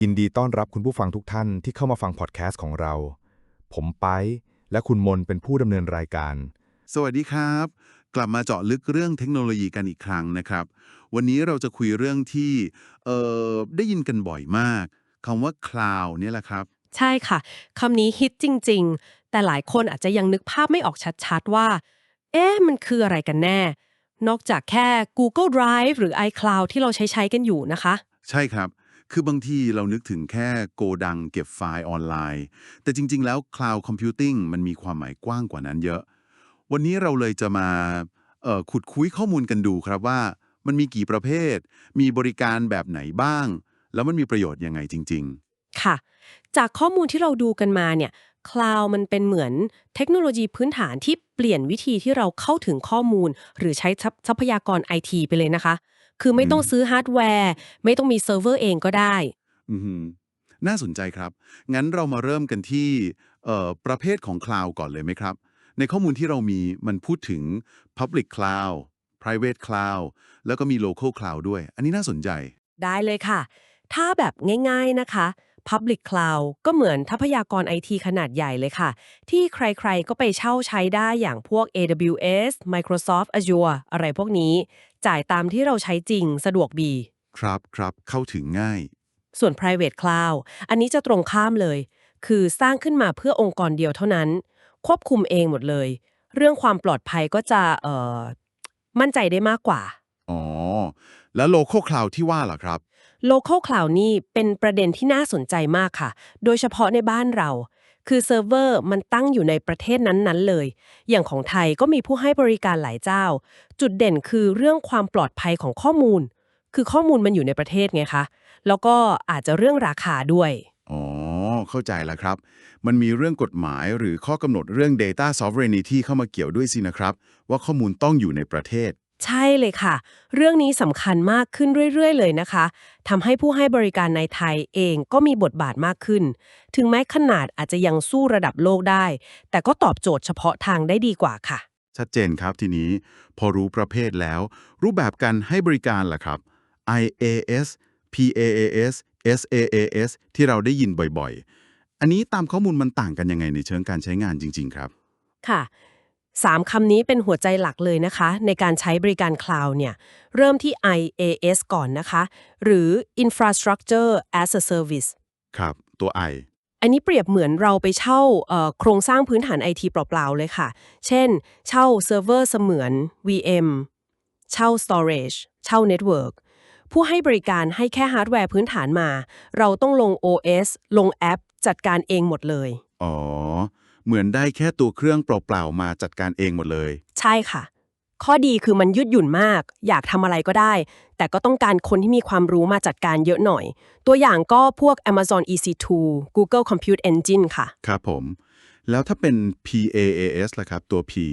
ยินดีต้อนรับคุณผู้ฟังทุกท่านที่เข้ามาฟังพอดแคสต์ของเรา ผมไปและคุณมนเป็นผู้ดำเนินรายการสวัสดีครับ กลับมาเจาะลึกเรื่องเทคโนโลยีกันอีกครั้งนะครับ วันนี้เราจะคุยเรื่องที่ได้ยินกันบ่อยมากคำว่า cloud เนี่ยแหละครับใช่ค่ะคำนี้ฮิตจริงๆแต่หลายคนอาจจะยังนึกภาพไม่ออกชัดๆว่ามันคืออะไรกันแน่นอกจากแค่ Google Drive หรือ iCloud ที่เราใช้กันอยู่นะคะใช่ครับ คือบางทีเรานึกถึงแค่โกดังเก็บไฟล์ออนไลน์ แต่จริงๆแล้ว cloud computing มันมีความหมายกว้างกว่านั้นเยอะ วันนี้เราเลยจะมาขุดคุยข้อมูลกันดูครับว่ามันมีกี่ประเภท มีบริการแบบไหนบ้าง แล้วมันมีประโยชน์ยังไงจริงค่ะจากข้อมูลที่เราดูกันมาเนี่ยคลาวมันเป็นเหมือนเทคโนโลยีพื้นฐานที่เปลี่ยนวิธีที่เราเข้าถึงข้อมูลหรือใช้ทรัพยากรไอทีไปเลยนะคะคือๆไม่ต้องซื้อฮาร์ดแวร์ไม่ต้องมีเซิร์ฟเวอร์เองก็ได้อือหือน่าสนใจครับ งั้นเรามาเริ่มกันที่ประเภทของ Cloud ก่อนเลยไหมครับ ในข้อมูลที่เรามีมันพูดถึง Public Cloud Private Cloud แล้วก็มี Local Cloud ด้วย อันนี้น่าสนใจได้เลยค่ะ ถ้าแบบง่ายๆนะคะ Public Cloud ก็เหมือนทรัพยากรไอทีขนาดใหญ่เลยค่ะ ที่ใครๆก็ไปเช่าใช้ได้อย่างพวก AWS Microsoft Azure อะไรพวกนี้ จ่ายตามที่เราใช้จริงสะดวกดีครับครับเข้าถึงง่ายส่วน Private Cloud อันนี้จะตรงข้ามเลย คือสร้างขึ้นมาเพื่อองค์กรเดียวเท่านั้น ควบคุมเองหมดเลย เรื่องความปลอดภัยก็จะมั่นใจได้มากกว่าอ๋อ แล้ว Local Cloud ที่ว่าล่ะครับ Local Cloud นี่เป็นประเด็นที่น่าสนใจมากค่ะ โดยเฉพาะในบ้านเรา คือเซิร์ฟเวอร์มันตั้งอยู่ในประเทศนั้นๆเลย อย่างของไทยก็มีผู้ให้บริการหลายเจ้า จุดเด่นคือเรื่องความปลอดภัยของข้อมูล คือข้อมูลมันอยู่ในประเทศไงคะ แล้วก็อาจจะเรื่องราคาด้วยอ๋อ เข้าใจแล้วครับ มันมีเรื่องกฎหมายหรือข้อกำหนดเรื่อง Data Sovereignty เข้ามาเกี่ยวด้วยสินะครับ ว่าข้อมูลต้องอยู่ในประเทศใช่เลยค่ะ เรื่องนี้สำคัญมากขึ้นเรื่อยๆเลยนะคะทำให้ผู้ให้บริการในไทยเองก็มีบทบาทมากขึ้น ถึงแม้ขนาดอาจจะยังสู้ระดับโลกได้ แต่ก็ตอบโจทย์เฉพาะทางได้ดีกว่าค่ะชัดเจนครับทีนี้พอรู้ประเภทแล้ว รูปแบบการให้บริการล่ะครับ IaaS PaaS SaaS ที่เราได้ยินบ่อยๆ อันนี้ตามข้อมูลมันต่างกันยังไงในเชิงการใช้งานจริงๆครับค่ะ3 คำนี้เป็นหัวใจหลักเลยนะคะในการใช้บริการคลาวด์เนี่ยเริ่มที่ IaaS ก่อนนะคะหรือ Infrastructure as a Service ครับตัว I อันนี้เปรียบเหมือนเราไปเช่าโครงสร้างพื้นฐานไอทีเปล่าๆเลยค่ะ เช่น เช่าเซิร์ฟเวอร์เสมือน VM เช่า Storage เช่า Network ผู้ให้บริการให้แค่ฮาร์ดแวร์พื้นฐานมา เราต้องลง OS ลงแอปจัดการเองหมดเลยอ๋อ เหมือนได้แค่ตัวเครื่องเปล่าๆมาจัดการเองหมดเลยใช่ค่ะ ข้อดีคือมันยืดหยุ่นมาก อยากทำอะไรก็ได้ แต่ก็ต้องการคนที่มีความรู้มาจัดการเยอะหน่อย ตัวอย่างก็พวก Amazon EC2 Google Compute Engine ค่ะครับผม แล้วถ้าเป็น PaaS ล่ะครับตัว P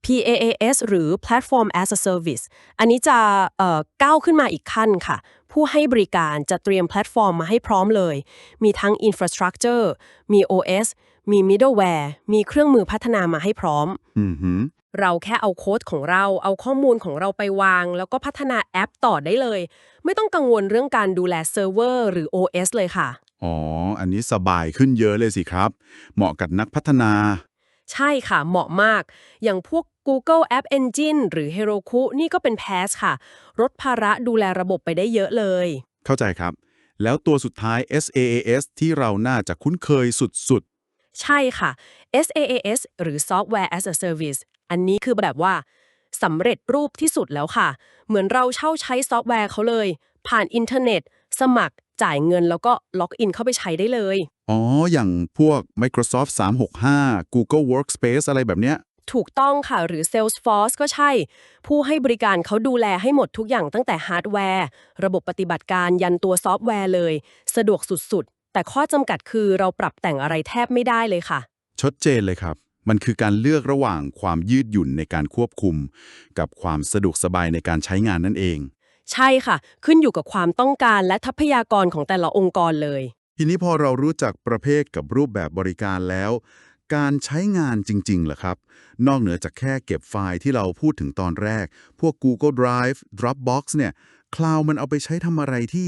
PaaS หรือ Platform as a Service อันนี้จะก้าวขึ้นมาอีกขั้นค่ะ ผู้ให้บริการจะเตรียมแพลตฟอร์มมาให้พร้อมเลย มีทั้ง Infrastructure มี OS มี Middleware มีเครื่องมือพัฒนามาให้พร้อมอือหือเราแค่เอาโค้ดของเรา เอาข้อมูลของเราไปวาง แล้วก็พัฒนาแอปต่อได้เลย ไม่ต้องกังวลเรื่องการดูแลเซิร์ฟเวอร์หรือ OS เลยค่ะอ๋อ อันนี้สบายขึ้นเยอะเลยสิครับ เหมาะกับนักพัฒนาใช่ค่ะ เหมาะมาก อย่างพวก Google App Engine หรือ Heroku นี่ก็เป็น PaaS ค่ะลดภาระดูแลระบบไปได้เยอะเลยเข้าใจครับ แล้วตัวสุดท้าย SaaS ที่เราน่าจะคุ้นเคยสุดใช่ค่ะ SaaS หรือ Software as a Service อันนี้คือแบบว่าสำเร็จรูปที่สุดแล้วค่ะ เหมือนเราเช่าใช้ซอฟต์แวร์เขาเลย ผ่านอินเทอร์เน็ต สมัครจ่ายเงินแล้วก็ล็อกอินเข้าไปใช้ได้เลยๆ อ๋อ อย่างพวก Microsoft 365 Google Workspace อะไรแบบเนี้ยถูกต้องค่ะหรือ Salesforce ก็ใช่ ผู้ให้บริการเขาดูแลให้หมดทุกอย่างตั้งแต่ฮาร์ดแวร์ระบบปฏิบัติการยันตัวซอฟต์แวร์เลย สะดวกสุดๆ แต่ข้อจำกัดคือเราปรับแต่งอะไรแทบไม่ได้เลยค่ะชัดเจนเลยครับ มันคือการเลือกระหว่างความยืดหยุ่นในการควบคุม กับความสะดวกสบายในการใช้งานนั่นเองใช่ค่ะ ขึ้นอยู่กับความต้องการและทรัพยากรของแต่ละองค์กรเลยทีนี้พอเรารู้จักประเภทกับรูปแบบบริการแล้ว การใช้งานจริงๆล่ะครับ นอกเหนือจากแค่เก็บไฟล์ที่เราพูดถึงตอนแรก พวก Google Drive Dropbox เนี่ย คลาวด์มันเอาไปใช้ทำอะไรที่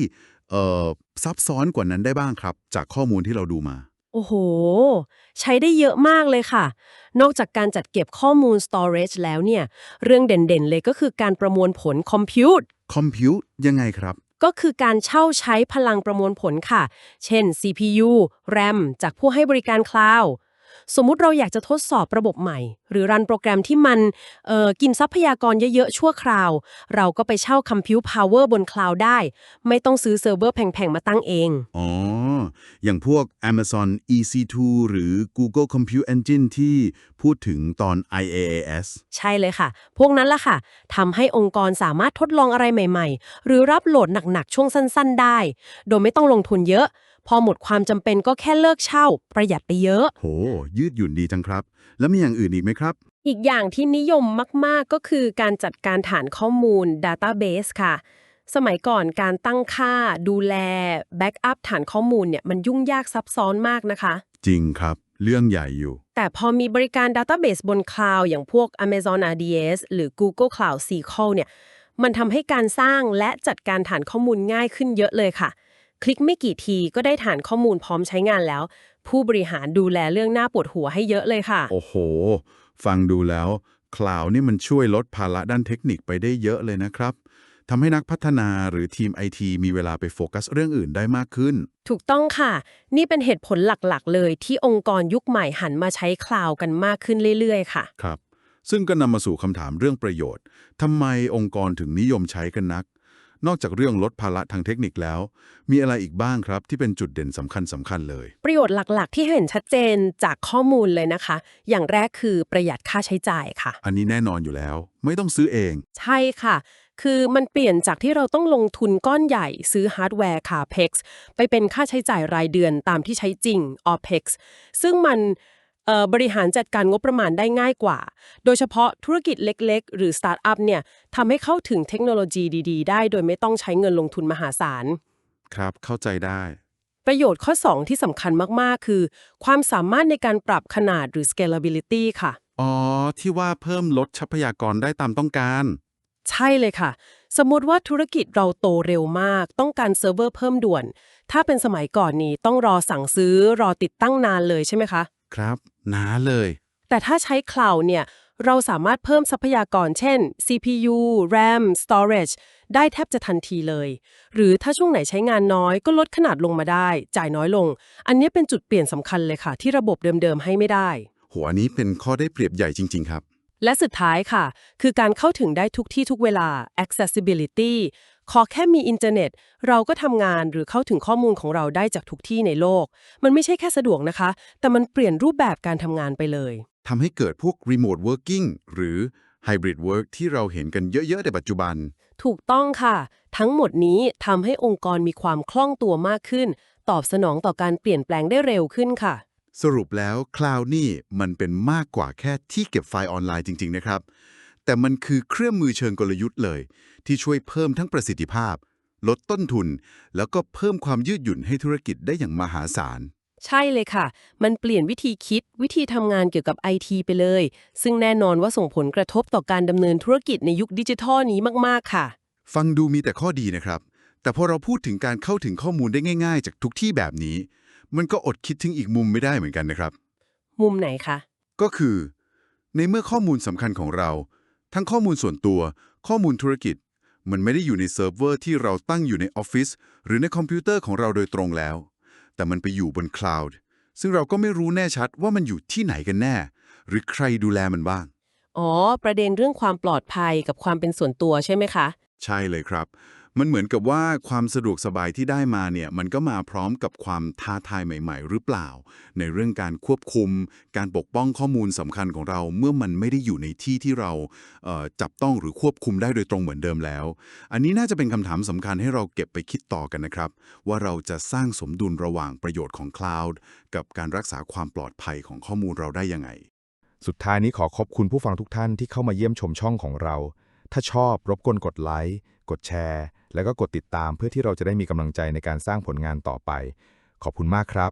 ซับซ้อนกว่านั้นได้บ้างครับจากข้อมูลที่เราดูมาโอ้โห ใช้ได้เยอะมากเลยค่ะ นอกจากการจัดเก็บข้อมูล storage แล้วเนี่ย เรื่องเด่นๆเลยก็คือการประมวลผล compute คอมพิวต์ยังไงครับก็คือการเช่าใช้พลังประมวลผลค่ะ เช่น CPU RAM จากผู้ให้บริการคลาวด์สมมุติเราอยากจะทดสอบระบบใหม่ หรือรันโปรแกรมที่มันกินทรัพยากรเยอะๆชั่วคราว เราก็ไปเช่า Compute Power บนคลาวด์ได้ ไม่ต้องซื้อเซิร์ฟเวอร์แพงๆมาตั้งเองอ๋อ อย่างพวก Amazon EC2 หรือ Google Compute Engine ที่พูดถึงตอน IaaS ใช่เลยค่ะ พวกนั้นล่ะค่ะ ทำให้องค์กรสามารถทดลองอะไรใหม่ๆ หรือรับโหลดหนักๆ ช่วงสั้นๆ ได้ โดยไม่ต้องลงทุนเยอะ พอหมดความจำเป็นก็แค่เลิกเช่า ประหยัดไปเยอะโห ยืดหยุ่นดีจังครับ แล้วมีอย่างอื่นอีกไหมครับอีกอย่างที่นิยมมากๆ ก็คือการจัดการฐานข้อมูล Database ค่ะ สมัยก่อนการตั้งค่า ดูแล แบ็กอัพฐานข้อมูลเนี่ยมันยุ่งยากซับซ้อนมากนะคะจริงครับ เรื่องใหญ่อยู่แต่พอมีบริการ Database บนคลาวด์อย่างพวก Amazon RDS หรือ Google Cloud SQL เนี่ย มันทำให้การสร้างและจัดการฐานข้อมูลง่ายขึ้นเยอะเลยค่ะ คลิกไม่กี่ทีก็ได้ฐานข้อมูลพร้อมใช้งานแล้ว ผู้บริหารดูแลเรื่องหน้าปวดหัวให้เยอะเลยค่ะโอ้โห ฟังดูแล้วคลาวด์นี่มันช่วยลดภาระด้านเทคนิคไปได้เยอะเลยนะครับ ทำให้นักพัฒนาหรือทีม IT มีเวลาไปโฟกัสเรื่องอื่นได้มากขึ้นถูกต้องค่ะ นี่เป็นเหตุผลหลักๆ เลยที่องค์กรยุคใหม่หันมาใช้คลาวด์กันมากขึ้นเรื่อยๆ ค่ะครับ ซึ่งก็นำมาสู่คำถามเรื่องประโยชน์ ทำไมองค์กรถึงนิยมใช้กันนัก นอกจากเรื่องลดภาระทางเทคนิคแล้ว มีอะไรอีกบ้างครับที่เป็นจุดเด่นสำคัญเลยประโยชน์หลักๆ ที่เห็นชัดเจนจากข้อมูลเลยนะคะ อย่างแรกคือประหยัดค่าใช้จ่ายค่ะอันนี้แน่นอนอยู่แล้ว ไม่ต้องซื้อเองใช่ค่ะ คือมันเปลี่ยนจากที่เราต้องลงทุนก้อนใหญ่ซื้อฮาร์ดแวร์ CAPEX ไปเป็นค่าใช้จ่ายรายเดือนตามที่ใช้จริง OPEX ซึ่งมันบริหารจัดการงบประมาณได้ง่ายกว่า โดยเฉพาะธุรกิจเล็กๆ หรือสตาร์ทอัพเนี่ยทำให้เข้าถึงเทคโนโลยีดีๆ ได้โดยไม่ต้องใช้เงินลงทุนมหาศาลครับ เข้าใจได้ประโยชน์ข้อ 2 ที่สำคัญมากๆ คือ ความสามารถในการปรับขนาดหรือ scalability ค่ะอ๋อ ที่ว่าเพิ่มลดทรัพยากรได้ตามต้องการใช่เลยค่ะ สมมุติว่าธุรกิจเราโตเร็วมาก ต้องการเซิร์ฟเวอร์เพิ่มด่วน ถ้าเป็นสมัยก่อนนี้ต้องรอสั่งซื้อรอติดตั้งนานเลยใช่ไหมคะครับหนาเลยแต่ถ้าใช้คลาวด์เนี่ย เราสามารถเพิ่มทรัพยากรเช่น CPU RAM Storage ได้แทบจะทันทีเลย หรือถ้าช่วงไหนใช้งานน้อยก็ลดขนาดลงมาได้ จ่ายน้อยลง อันนี้เป็นจุดเปลี่ยนสำคัญเลยค่ะ ที่ระบบเดิมๆให้ไม่ได้หัวนี้เป็นข้อได้เปรียบใหญ่จริงๆครับและสุดท้ายค่ะ คือการเข้าถึงได้ทุกที่ทุกเวลา accessibility ขอแค่มีอินเทอร์เน็ต เราก็ทำงานหรือเข้าถึงข้อมูลของเราได้จากทุกที่ในโลก มันไม่ใช่แค่สะดวกนะคะ แต่มันเปลี่ยนรูปแบบการทำงานไปเลยทำให้เกิดพวก remote working หรือ hybrid work ที่เราเห็นกันเยอะๆในปัจจุบันถูกต้องค่ะ ทั้งหมดนี้ทำให้องค์กรมีความคล่องตัวมากขึ้น ตอบสนองต่อการเปลี่ยนแปลงได้เร็วขึ้นค่ะสรุปแล้ว Cloud นี่มันเป็นมากกว่าแค่ที่เก็บไฟล์ออนไลน์จริงๆนะครับ แต่มันคือเครื่องมือเชิงกลยุทธ์เลย ที่ช่วยเพิ่มทั้งประสิทธิภาพ ลดต้นทุน แล้วก็เพิ่มความยืดหยุ่นให้ธุรกิจได้อย่างมหาศาลใช่เลยค่ะ มันเปลี่ยนวิธีคิดวิธีทำงานเกี่ยวกับ IT ไปเลย ซึ่งแน่นอนว่าส่งผลกระทบต่อการดำเนินธุรกิจในยุคดิจิทัลนี้มากๆค่ะฟังดูมีแต่ข้อดีนะครับ แต่พอเราพูดถึงการเข้าถึงข้อมูลได้ง่ายๆ จากทุกที่แบบนี้ มันก็อดคิดถึงอีกมุมไม่ได้เหมือนกันนะครับมุมไหนคะก็คือ ในเมื่อข้อมูลสำคัญของเรา ทั้งข้อมูลส่วนตัว ข้อมูลธุรกิจ มันไม่ได้อยู่ในเซิร์ฟเวอร์ที่เราตั้งอยู่ในออฟฟิศหรือในคอมพิวเตอร์ของเราโดยตรงแล้ว แต่มันไปอยู่บนคลาวด์ซึ่งเราก็ไม่รู้แน่ชัดว่ามันอยู่ที่ไหนกันแน่ หรือใครดูแลมันบ้างอ๋อ ประเด็นเรื่องความปลอดภัยกับความเป็นส่วนตัวใช่ไหมคะใช่เลยครับ มันเหมือนกับว่าความสะดวกสบายที่ได้มาเนี่ยมันก็มาพร้อมกับความท้าทายใหม่ๆ หรือเปล่า ในเรื่องการควบคุม การปกป้องข้อมูลสำคัญของเราเมื่อมันไม่ได้อยู่ในที่ที่เราจับต้องหรือควบคุมได้โดยตรงเหมือนเดิมแล้ว อันนี้น่าจะเป็นคำถามสำคัญให้เราเก็บไปคิดต่อกันนะครับ ว่าเราจะสร้างสมดุลระหว่างประโยชน์ของคลาวด์กับการรักษาความปลอดภัยของข้อมูลเราได้ยังไงสุดท้ายนี้ขอขอบคุณผู้ฟังทุกท่านที่เข้ามาเยี่ยมชมช่องของเรา ถ้าชอบรบกวนกดไลค์ กดแชร์ แล้วก็กดติดตามเพื่อที่เราจะได้มีกำลังใจในการสร้างผลงานต่อไป ขอบคุณมากครับ